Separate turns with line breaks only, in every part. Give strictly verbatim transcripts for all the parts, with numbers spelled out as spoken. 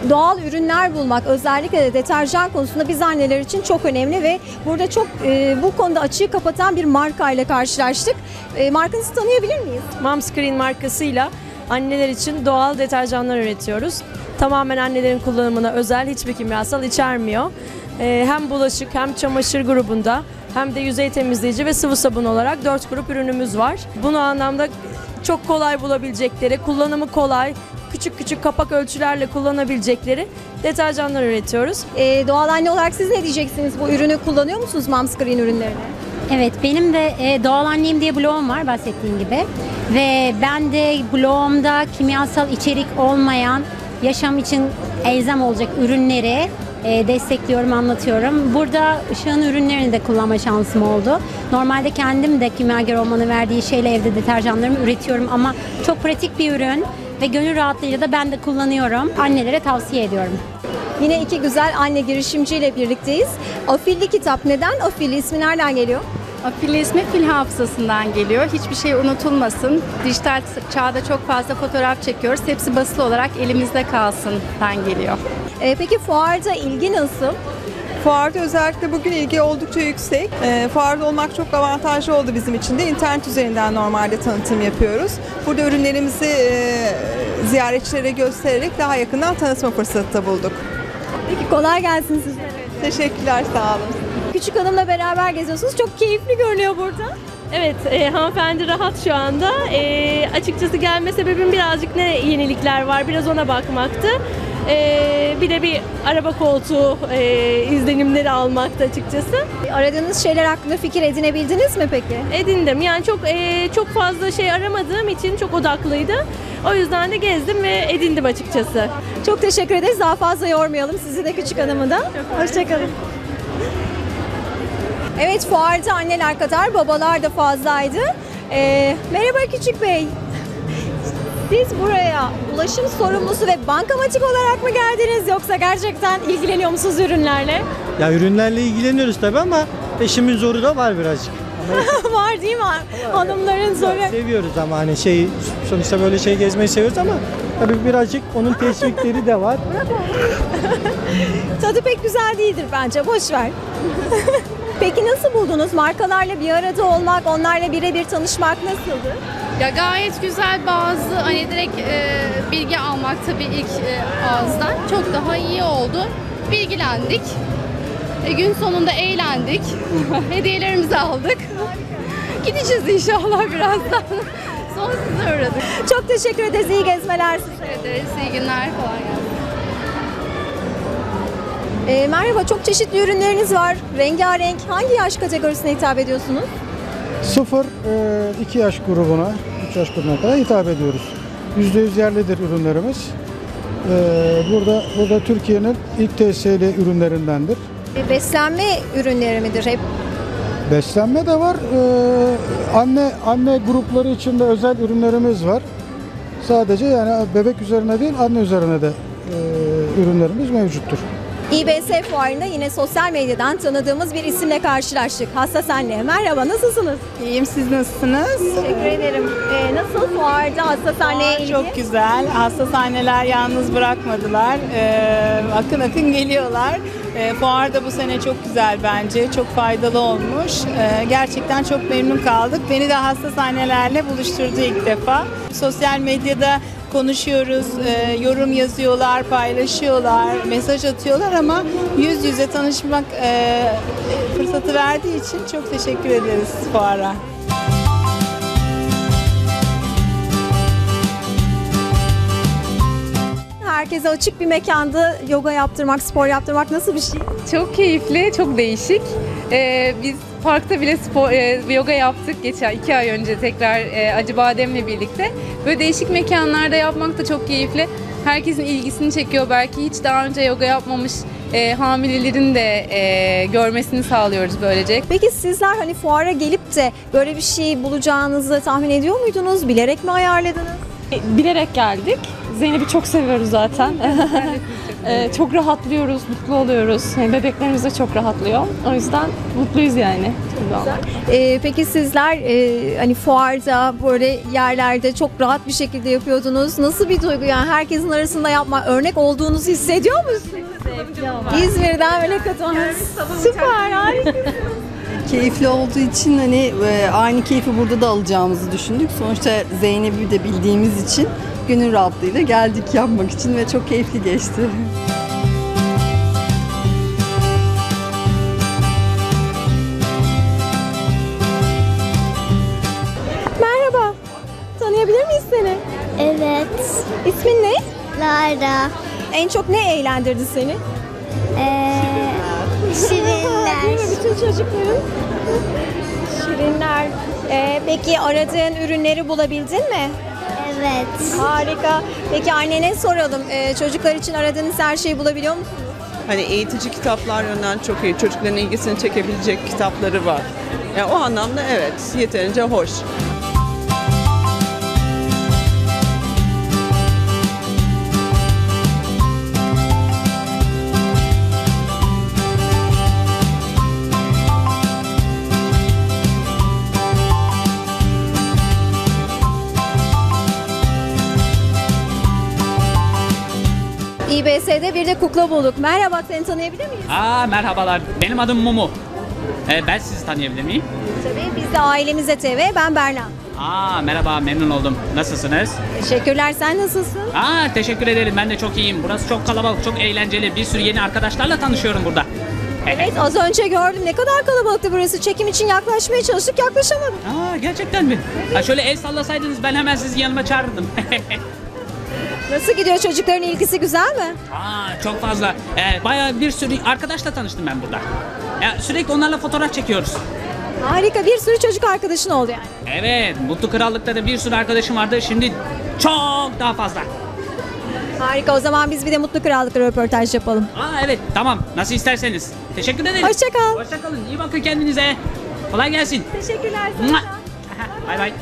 Doğal ürünler bulmak, özellikle de deterjan konusunda biz anneler için çok önemli ve burada çok e, bu konuda açığı kapatan bir marka ile karşılaştık. E, markanızı tanıyabilir miyiz?
Momscreen markasıyla anneler için doğal deterjanlar üretiyoruz. Tamamen annelerin kullanımına özel, hiçbir kimyasal içermiyor. E, hem bulaşık hem çamaşır grubunda hem de yüzey temizleyici ve sıvı sabun olarak dört grup ürünümüz var. Bunu anlamda çok kolay bulabilecekleri, kullanımı kolay, küçük küçük kapak ölçülerle kullanabilecekleri deterjanlar üretiyoruz.
E, doğal anne olarak siz ne diyeceksiniz? Bu ürünü kullanıyor musunuz, Momscreen ürünlerini?
Evet, benim de e, Doğal Annem diye blogum var bahsettiğin gibi. Ve ben de blogumda kimyasal içerik olmayan, yaşam için elzem olacak ürünleri e, destekliyorum, anlatıyorum. Burada Işık'ın ürünlerini de kullanma şansım oldu. Normalde kendim de kimyager olmanın verdiği şeyle evde deterjanlarımı üretiyorum ama çok pratik bir ürün ve gönül rahatlığıyla da ben de kullanıyorum. Annelere tavsiye ediyorum.
Yine iki güzel anne girişimciyle birlikteyiz. Afilli kitap. Neden Afilli? İsmi nereden geliyor?
Afilli ismi fil hafızasından geliyor. Hiçbir şey unutulmasın. Dijital çağda çok fazla fotoğraf çekiyoruz. Hepsi basılı olarak elimizde kalsından geliyor.
E, peki fuarda ilgi nasıl?
Fuarda özellikle bugün ilgi oldukça yüksek. E, fuarda olmak çok avantajlı oldu bizim için de. İnternet üzerinden normalde tanıtım yapıyoruz. Burada ürünlerimizi e, ziyaretçilere göstererek daha yakından tanıtma fırsatı da bulduk.
Peki kolay gelsin sizlere.
Teşekkürler, sağ olun.
Küçük hanımla beraber geziyorsunuz. Çok keyifli görünüyor burada.
Evet, e, hanımefendi rahat şu anda. E, açıkçası gelme sebebim birazcık ne yenilikler var, biraz ona bakmaktı. E, bir de bir araba koltuğu e, izlenimleri almaktı açıkçası.
Aradığınız şeyler hakkında fikir edinebildiniz mi peki?
Edindim. Yani çok e, çok fazla şey aramadığım için çok odaklıydı. O yüzden de gezdim ve edindim açıkçası.
Çok teşekkür ederiz. Daha fazla yormayalım sizi de küçük hanımı da. Hoşçakalın. Evet, fuarda anneler kadar babalar da fazlaydı. Ee, merhaba Küçük Bey. Siz buraya ulaşım sorumlusu ve bankamatik olarak mı geldiniz yoksa gerçekten ilgileniyor musunuz ürünlerle?
Ya ürünlerle ilgileniyoruz tabii ama eşimin zoru da var birazcık.
Var değil mi? Hanımların zoru.
Seviyoruz ama hani şey sonuçta böyle şey gezmeyi seviyoruz ama tabii birazcık onun teşvikleri de var.
Tadı pek güzel değildir bence. Boş ver. Peki nasıl buldunuz? Markalarla bir arada olmak, onlarla birebir tanışmak nasıldı?
Ya gayet güzel, bazı hani direkt e, bilgi almak tabii ilk e, ağızdan çok daha iyi oldu. Bilgilendik. E, gün sonunda eğlendik. Hediyelerimizi aldık. Gideceğiz inşallah birazdan. Son size uğradık.
Çok teşekkür ederiz. İyi gezmeler size.
Teşekkür ederiz. İyi günler. Kolay gelsin.
E, merhaba, çok çeşitli ürünleriniz var. Rengarenk. Hangi yaş kategorisine hitap ediyorsunuz?
sıfır iki yaş grubuna, üç yaş grubuna kadar hitap ediyoruz. yüzde yüz yerlidir ürünlerimiz. Ee, burada burada Türkiye'nin ilk T S L ürünlerindendir.
E, beslenme ürünleri midir hep?
Beslenme de var. Ee, anne anne grupları için de özel ürünlerimiz var. Sadece yani bebek üzerine değil, anne üzerine de e, ürünlerimiz mevcuttur.
İ B S fuarında yine sosyal medyadan tanıdığımız bir isimle karşılaştık. Hassas Anne. Merhaba, nasılsınız?
İyiyim, siz nasılsınız?
Teşekkür ederim. Ee, nasıl fuarda Hassas Anne'ye ilgi?
Çok güzel. Hassas anneler yalnız bırakmadılar. Ee, akın akın geliyorlar. Ee, fuar da bu sene çok güzel bence. Çok faydalı olmuş. Ee, gerçekten çok memnun kaldık. Beni de hassas annelerle buluşturdu ilk defa. Sosyal medyada konuşuyoruz, e, yorum yazıyorlar, paylaşıyorlar, mesaj atıyorlar ama yüz yüze tanışmak e, fırsatı verdiği için çok teşekkür ederiz fuara.
Herkese açık bir mekanda yoga yaptırmak, spor yaptırmak nasıl bir şey?
Çok keyifli, çok değişik. Ee, biz parkta bile spor, e, yoga yaptık geçen iki ay önce tekrar e, Acıbadem'le birlikte. Böyle değişik mekanlarda yapmak da çok keyifli. Herkesin ilgisini çekiyor. Belki hiç daha önce yoga yapmamış e, hamilelerin de e, görmesini sağlıyoruz böylece.
Peki sizler hani fuara gelip de böyle bir şey bulacağınızı tahmin ediyor muydunuz? Bilerek mi ayarladınız?
Bilerek geldik. Zeynep'i çok seviyoruz zaten. Ee, çok rahatlıyoruz, mutlu oluyoruz. Yani bebeklerimiz de çok rahatlıyor. O yüzden mutluyuz yani.
Ee, peki sizler e, hani fuarda böyle yerlerde çok rahat bir şekilde yapıyordunuz. Nasıl bir duygu yani herkesin arasında yapma örnek olduğunuzu hissediyor musunuz? İzmir'den böyle katılmanız. Süper, harikasınız.
Keyifli olduğu için hani e, aynı keyfi burada da alacağımızı düşündük. Sonuçta Zeynep'i de bildiğimiz için gönül rahatlığıyla geldik yapmak için ve çok keyifli geçti.
Merhaba. Tanıyabilir miyiz seni?
Evet.
İsmin ne?
Lara.
En çok ne eğlendirdi seni?
Ee, şirinler.
Değil mi bütün çocukların? Şirinler. Ee, peki aradığın ürünleri bulabildin mi?
Evet.
Harika. Peki annene soralım. Ee, çocuklar için aradığınız her şeyi bulabiliyor musunuz?
Hani eğitici kitaplar yönden çok iyi. Çocukların ilgisini çekebilecek kitapları var. Yani o anlamda evet, yeterince hoş.
İ B S'de bir de kukla bulduk. Merhaba, seni tanıyabilir miyiz?
Aa, merhabalar. Benim adım Mumu. Ee, ben sizi tanıyabilir miyim?
Tabii, biz de Ailemize T V. Ben Berna.
Aa, merhaba, memnun oldum. Nasılsınız?
Teşekkürler, sen nasılsın?
Aa, teşekkür ederim. Ben de çok iyiyim. Burası çok kalabalık, çok eğlenceli. Bir sürü yeni arkadaşlarla tanışıyorum burada.
Evet, az önce gördüm. Ne kadar kalabalıktı burası. Çekim için yaklaşmaya çalıştık, yaklaşamadık.
Aa, gerçekten mi? Ha, şöyle el sallasaydınız ben hemen sizi yanıma çağırırdım.
Nasıl gidiyor, çocukların ilgisi güzel mi?
Aa, çok fazla. Ee, bayağı bir sürü arkadaşla tanıştım ben burada. Ya, sürekli onlarla fotoğraf çekiyoruz.
Harika, bir sürü çocuk arkadaşın oldu yani.
Evet, Mutlu Krallık'ta da bir sürü arkadaşım vardı. Şimdi çok daha fazla.
Harika, o zaman biz bir de Mutlu Krallık'ta röportaj yapalım.
Aa, evet, tamam. Nasıl isterseniz. Teşekkür ederim.
Hoşça kal.
Hoşça kalın. İyi bakın kendinize. Kolay gelsin.
Teşekkürler
sana. Bay bay.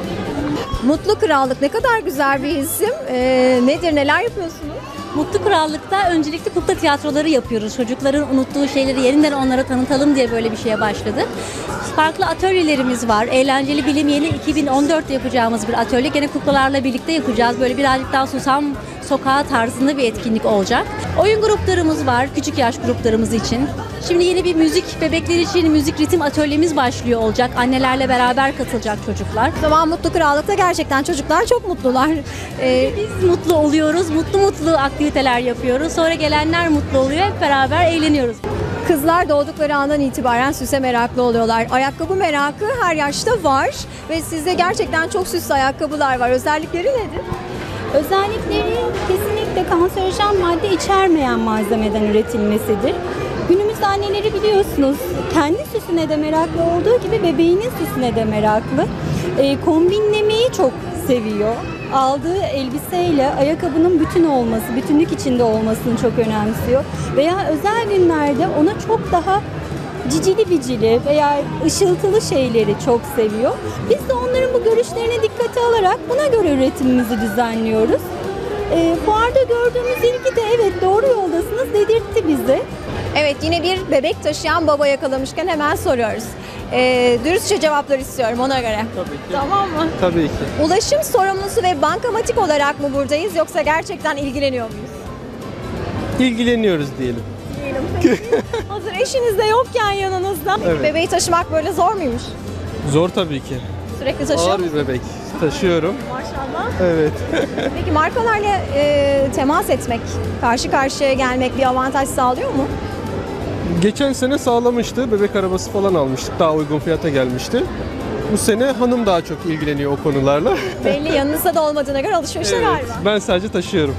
Mutlu Krallık ne kadar güzel bir isim. Ee, nedir, neler yapıyorsunuz?
Mutlu Krallık'ta öncelikle kukla tiyatroları yapıyoruz. Çocukların unuttuğu şeyleri yeniden onlara tanıtalım diye böyle bir şeye başladık. Farklı atölyelerimiz var. Eğlenceli Bilim Yeni iki bin on dörtte yapacağımız bir atölye. Gene kuklalarla birlikte yapacağız. Böyle birazcık daha susam sokağı tarzında bir etkinlik olacak. Oyun gruplarımız var, küçük yaş gruplarımız için. Şimdi yeni bir müzik, bebekler için müzik ritim atölyemiz başlıyor olacak. Annelerle beraber katılacak çocuklar.
O zaman Mutlu Krallık'ta gerçekten çocuklar çok mutlular.
Ee, Biz mutlu oluyoruz, mutlu mutlu aktiviteler yapıyoruz. Sonra gelenler mutlu oluyor, hep beraber eğleniyoruz.
Kızlar doğdukları andan itibaren süse meraklı oluyorlar. Ayakkabı merakı her yaşta var ve sizde gerçekten çok süslü ayakkabılar var. Özellikleri nedir?
Özellikleri kesinlikle kanserojen madde içermeyen malzemeden üretilmesidir. Günümüzde anneleri biliyorsunuz kendi süsüne de meraklı olduğu gibi bebeğinin süsüne de meraklı. E, kombinlemeyi çok seviyor. Aldığı elbiseyle ayakkabının bütün olması, bütünlük içinde olmasını çok önemsiyor. Veya özel günlerde ona çok daha cicili bicili veya ışıltılı şeyleri çok seviyor. Biz de onların bu görüşlerine dikkate alarak buna göre üretimimizi düzenliyoruz. E, fuarda gördüğümüz ilgi de evet doğru yoldasınız dedirtti bize.
Evet, yine bir bebek taşıyan baba yakalamışken hemen soruyoruz. Ee, dürüstçe cevaplar istiyorum ona göre.
Tabii ki.
Tamam mı?
Tabii ki.
Ulaşım sorumlusu ve bankamatik olarak mı buradayız yoksa gerçekten ilgileniyor muyuz?
İlgileniyoruz diyelim.
Diyelim. Hazır eşiniz de yokken yanınızda.
Evet.
Bebeği taşımak böyle zor muymuş?
Zor tabii ki.
Sürekli taşıyor
Ağır
musun?
bir bebek. Taşıyorum.
Maşallah.
Evet.
Peki markalarla e, temas etmek, karşı karşıya gelmek bir avantaj sağlıyor mu?
Geçen sene sağlamıştı. Bebek arabası falan almıştık. Daha uygun fiyata gelmişti. Bu sene hanım daha çok ilgileniyor o konularla.
Belli, yanınızda da olmadığına göre alışverişe
Evet,
galiba.
ben sadece taşıyorum.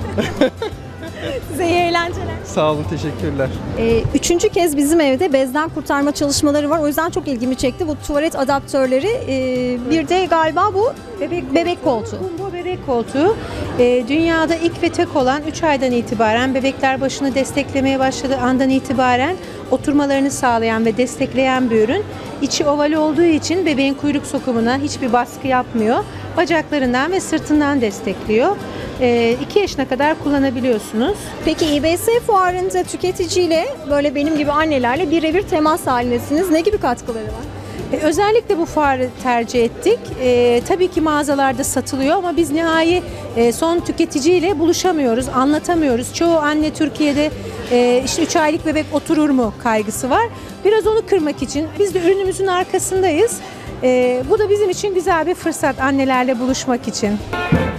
Size iyi eğlenceler.
Sağ olun, teşekkürler.
Ee, üçüncü kez bizim evde bezden kurtarma çalışmaları var. O yüzden çok ilgimi çekti. Bu tuvalet adaptörleri. E, bir de galiba bu bebek, bebek koltuğu.
Bu bebek koltuğu e, dünyada ilk ve tek olan üç aydan itibaren bebekler başını desteklemeye başladığı andan itibaren oturmalarını sağlayan ve destekleyen bir ürün. İçi oval olduğu için bebeğin kuyruk sokumuna hiçbir baskı yapmıyor. Bacaklarından ve sırtından destekliyor. iki yaşına kadar kullanabiliyorsunuz.
Peki İ B S fuarında tüketiciyle böyle benim gibi annelerle birebir temas halindesiniz. Ne gibi katkıları var?
E, özellikle bu fuarı tercih ettik. E, tabii ki mağazalarda satılıyor ama biz nihai e, son tüketiciyle buluşamıyoruz, anlatamıyoruz. Çoğu anne Türkiye'de e, işte üç aylık bebek oturur mu kaygısı var. Biraz onu kırmak için biz de ürünümüzün arkasındayız. E, bu da bizim için güzel bir fırsat annelerle buluşmak için.